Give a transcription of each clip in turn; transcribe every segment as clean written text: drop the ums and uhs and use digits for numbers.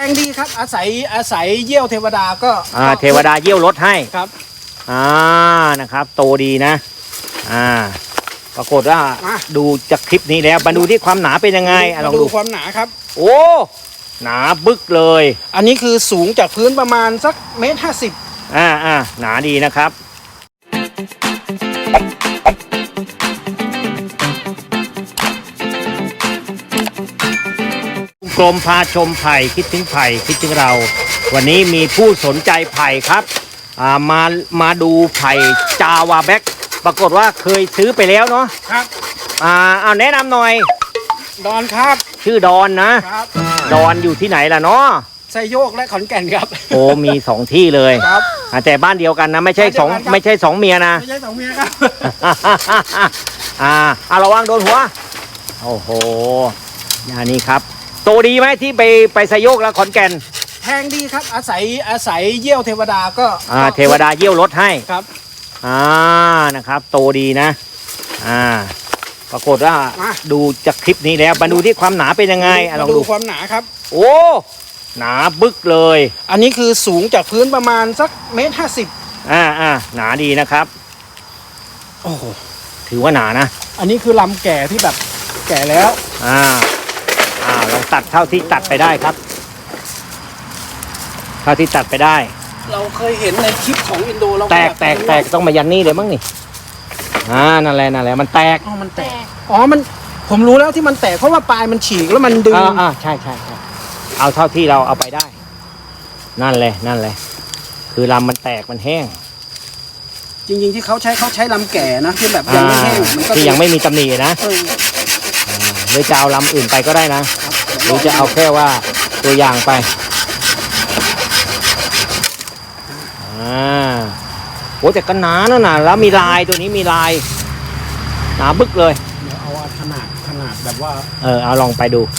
งดีครับอาศัยเยี่ยวเทวดาก็เทวดาเยี่ยวรถให้ครับนะครับโตดีนะปรากฏว่าดูจากคลิปนี้แล้วมาดูที่ความหนาเป็นยังไงลองดูความหนาครับโอ้หนาบึกเลยอันนี้คือสูงจากพื้นประมาณสัก1.50 เมตรหนาดีนะครับกรมพาชมไผ่คิดถึงไผ่คิดถึงเราวันนี้มีผู้สนใจไผ่ครับมาดูไผ่จาวาแบ็กปรากฏว่าเคยซื้อไปแล้วเนาะครับเอาแนะนำหน่อยดอนครับชื่อดอนนะครับดอนอยู่ที่ไหนล่ะเนาะไซโยกและขอนแก่นครับโอ้มี2ที่เลยครับแต่บ้านเดียวกันนะไม่ใช่สองเมียนะไม่ใช่2 เมียครับระวังโดนหัวโอ้โหอย่างนี้ครับโตดีไหมที่ไปไซโยกแล้วขอนแก่นแพงดีครับอาศัยเยี่ยวเทวดาก็เทวดาเยี่ยวรถให้ครับนะครับโตดีนะปรากฏว่าดูจากคลิปนี้แล้วมาดูที่ความหนาเป็นยังไงลองดูความหนาครับโอ้หนาบึกเลยอันนี้คือสูงจากพื้นประมาณสัก1.50 เมตรหนาดีนะครับโอ้โหถือว่าหนานะอันนี้คือลำแก่ที่แบบแก่แล้วลองตัดเท่าที่ตัดไปได้ครับเท่าที่ตัดไปได้เราเคยเห็นในคลิปของอินโดเราแตกต้องมายันนี่เลยมั้งนี่นั่นแหละมันแตกมันแตกมันผมรู้แล้วที่มันแตกเพราะว่าปลายมันฉีกแล้วมันดึงใช่เอาเท่าที่เราเอาไปได้นั่นเลยคือลำมันแตกมันแห้งจริงๆที่เขาใช้ลำแก่นะที่แบบยังไม่แห้งที่ยังไม่มีตำหนินะหรือจะเอาลำอื่นไปก็ได้นะหรือจะเอาแค่ว่าตัวอย่างไปโอ้แต่ก็หนาแล้วมีลายตัวนี้มีลายหนาบึกเลยเดี๋ยวเอาขนาดแบบว่าเอาลองไปดู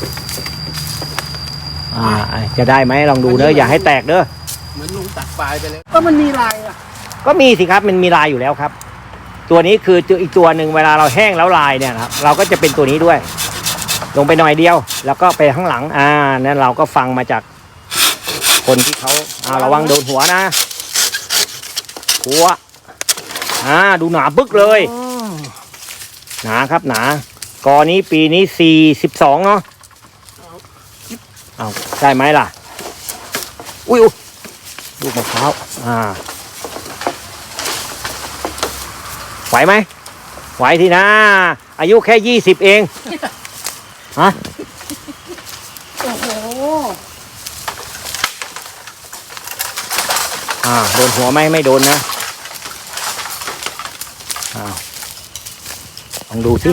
จะได้ไหมลองดูเนอะอย่าให้แตกเด้อเหมือนลุงตัดปลายไปเลยก็มันมีลายก็มีสิครับมันมีลายอยู่แล้วครับตัวนี้คืออีกตัวหนึ่งเวลาเราแห้งแล้วลายเนี่ยครับเราก็จะเป็นตัวนี้ด้วยลงไปหน่อยเดียวแล้วก็ไปข้างหลังนั่นเราก็ฟังมาจากคนที่เขาระวังโดนหัวนะหัวดูหนาบึกเลยหนาครับหนากอนี้ปีนี้42เนาะใช่ไหมล่ะอุ้ยลูกมะพร้าวไหวไหมไหวทีนะอายุแค่20เองโอ้โหโดนหัวไม่โดนนะลองดูสิ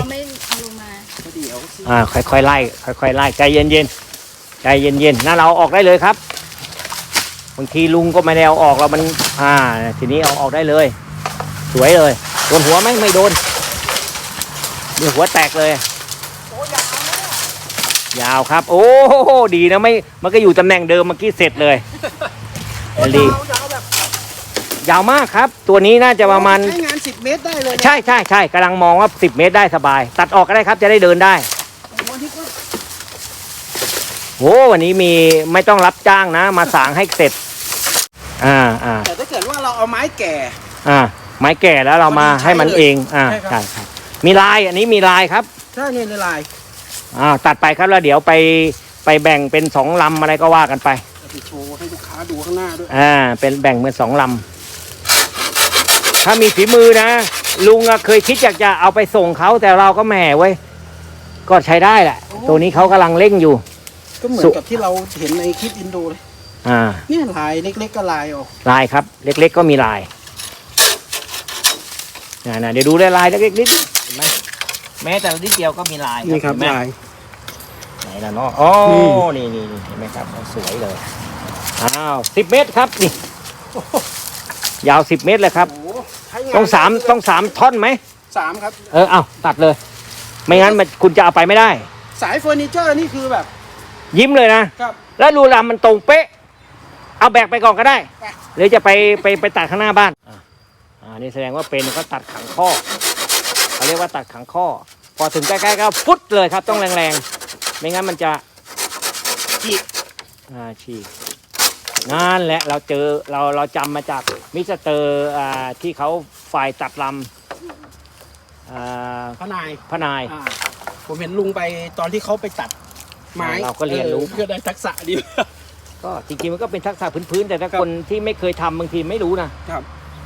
ค่อยๆไล่ใจเย็นๆน่าเราออกได้เลยครับบางทีลุงก็ไม่ได้เอาออกเรามันทีนี้เอาออกได้เลยสวยเลยโดนหัวไม่โดนเดี๋ยวหัวแตกเลยยาวครับโอ้ดีนะไม่มันก็อยู่ตำแหน่งเดิมเมื่อกี้เสร็จเลยดียาวมากครับตัวนี้น่าจะประมาณใช้งาน10 เมตรได้เลยใช่กำลังมองว่า10 เมตรได้สบายตัดออกก็ได้ครับจะได้เดินได้วันนี้มีไม่ต้องรับจ้างนะมาสางให้เสร็จแต่ถ้าเกิดว่าเราเอาไม้แก่ไม้แก่แล้วเรามาให้มันเองใช่ครับมีลายอันนี้มีลายครับใช่เนี่ยในลายตัดไปครับแล้วเดี๋ยวไปแบ่งเป็น2 ลำอะไรก็ว่ากันไปโชว์ให้ลูกค้าดูข้างหน้าด้วยเป็นแบ่งเป็น2 ลำถ้ามีฝีมือนะลุงเคยคิดอยากจะเอาไปส่งเขาแต่เราก็แหมไว้ก็ใช้ได้แหละตัวนี้เขากำลังเร่งอยู่ก็เหมือนกับที่เราเห็นในคลิปอินโดเลยนี่ลายเล็กๆก็ลายออกลายครับเล็กๆก็มีลายเดี๋ยวดูได้ลายเล็กๆนิดเห็นไหมแม้แต่นิดเดียวก็มีลายนี่ครับลายไหนล่ะเนาะนี่เห็นไหมครับสวยเลย10 เมตรครับนี่ยาว10 เมตรเลยครับต้อง3ท่อนไหม 3ครับตัดเลยไม่งั้นคุณจะเอาไปไม่ได้สายเฟอร์นิเจอร์นี่คือแบบยิ้มเลยนะครับแล้วรูลำมันตรงเป๊ะเอาแบกไปก่อนก็ได้หรือจะไปตัดข้างหน้าบ้านนี่แสดงว่าเป็นเขาตัดขังข้อเขาเรียกว่าตัดขังข้อพอถึงใกล้ๆก็ฟุดเลยครับต้องแรงๆไม่งั้นมันจะฉีกนั่นแหละเราเจอเราจำมาจากมิสเตอร์ที่เขาฝ่ายตัดลำพระนาย ผมเห็นลุงไปตอนที่เขาไปตัดไม้เราก็เรียนรู้เพื่อได้ทักษะดีก็จริงๆมันก็เป็นทักษะพื้นๆแต่ถ้าคนที่ไม่เคยทำบางทีไม่รู้นะครับ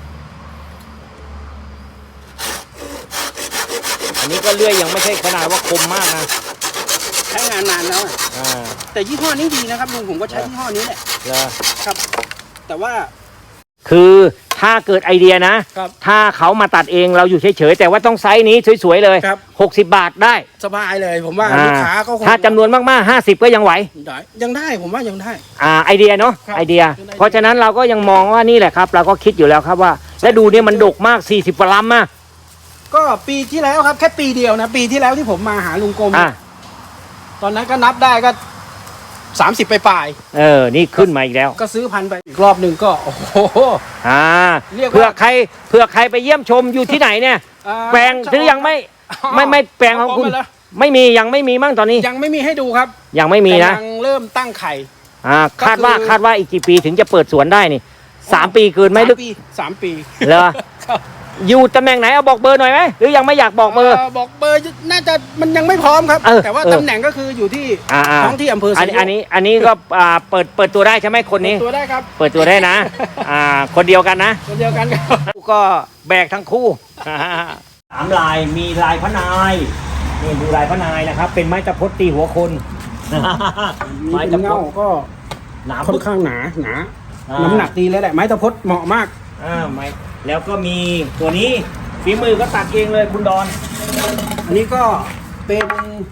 อันนี้ก็เลื่อยยังไม่ใช่ขนาดว่าคมมากนะใช้งานนานแล้วแต่ยี่ห้อนี้ดีนะครับลุงผมก็ใช้ยี่ห้อนี้แหละครับแต่ว่าคือถ้าเกิดไอเดียนะถ้าเขามาตัดเองเราอยู่เฉยๆแต่ว่าต้องไซส์นี้สวยๆเลย60 บาทได้สบายเลยผมว่าลูกค้าก็ถ้าจำนวนมากๆ50ก็ยังไหวยังได้ผมว่ายังได้ไอเดียเนาะไอเดียเพราะฉะนั้นเราก็ยังมองว่านี่แหละครับเราก็คิดอยู่แล้วครับว่าและดูเนี่ยมันดกมาก40กว่าลำมาก็ปีที่แล้วครับแค่ปีเดียวนะปีที่แล้วที่ผมมาหาลุงกรมตอนนั้นก็นับได้ก็30ไปปลายนี่ขึ้นมาอีกแล้วก็ซื้อพันไปอีกรอบหนึ่งก็โอ้โหเพื่อใครไปเยี่ยมชมอยู่ที่ไหนเนี่ยแปลงซื้อยังไม่แปลงของคุณไม่มียังไม่มีมั่งตอนนี้ยังไม่มีให้ดูครับยังไม่มีนะยังเริ่มตั้งไข่คาดว่าอีกกี่ปีถึงจะเปิดสวนได้นี่3 ปีเกินไหมลึก 3 ปีเหรออยู่ตำแหน่งไหนเอาบอกเบอร์หน่อยไหมหรือยังไม่อยากบอกเบอร์บอกเบอร์น่าจะมันยังไม่พร้อมครับแต่ว่าตำแหน่งก็คืออยู่ที่ท้องที่อำเภออันนี้ก็เปิดตัวได้ใช่ไหมคนนี้เปิดตัวได้ครับเปิดตัวได้นะคนเดียวกันนะคนเดียวกันก็แบกทั้งคู่3 ลายมีลายพระนายนี่ดูลายพระนายนะครับเป็นไม้ตะพดตีหัวคนไม้ตะพดก็หนาค่อนข้างหนาน้ำหนักดีเลยแหละไม้ตะพดเหมาะมากไม้แล้วก็มีตัวนี้ฝีมือก็ตัดเองเลยคุณดอนอันนี้ก็เป็น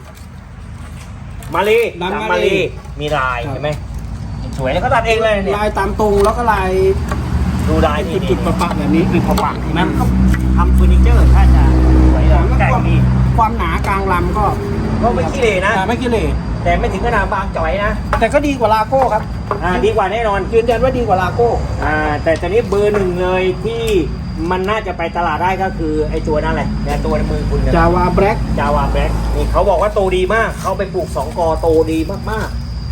มาลีมีลายเห็นไหมสวยแล้วก็ตัดเองเลยลายตามตรงแล้วก็ลายดูลายจุดประแบบนี้คือประนั่นก็ทำเฟอร์นิเจอร์ถ้าจะสวยแล้วแต่ดีความหนากลางลำก็ไม่ขี้เหร่นะไม่ขี้เหร่แต่ไม่ถึงขนาดบางจ่อยนะแต่ก็ดีกว่าลาโก้ครับดีกว่าแน่นอนยืนยันว่าดีกว่าลาโก้แต่ตอนนี้เบอร์ 1เลยที่มันน่าจะไปตลาดได้ก็คือไอ้ตัวนั่นแหละแต่ตัวในมือคุณจาวาแบล็กนี่เขาบอกว่าโตดีมากเขาไปปลูก2 กอโตดีมาก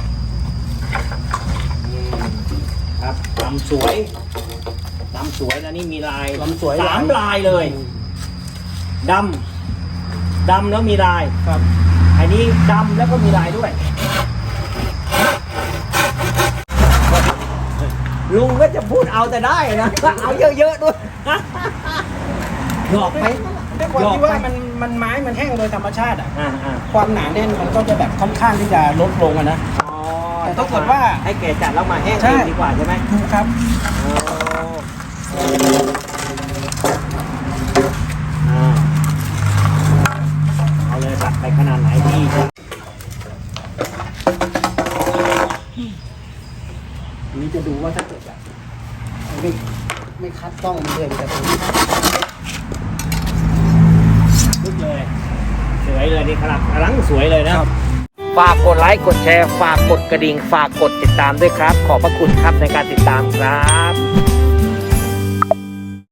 ๆครับลำสวยนะนี่มีลายลำสวย 3 ลายเลยดำแล้วมีลายครับอันนี้ดำแล้วก็มีลายด้วยลุงก็จะพูดเอาแต่ได้นะเอาเยอะๆด้วยหยอกไปด้วยความที่ว่ามันไม้มันแห้งโดยธรรมชาติความหนาแน่นมันก็จะแบบค่อนข้างที่จะลดลงนะแต่ถ้าเกิดว่าให้แก่จัดแล้วมาแห้งดีกว่าใช่ไหมถูกครับเอาเลยตัดไปขนาดไหนดีนี้จะดูว่าถ้าเกิดแบบไม่คัดต้องมันเลยแต่ตรงนี้ลุกเลยสวยเลยนี่ครับกำลังสวยเลยนะฝากกดไลค์กดแชร์ฝากกดกระดิ่งฝากกดติดตามด้วยครับขอบพระคุณครับในการติดตามครับ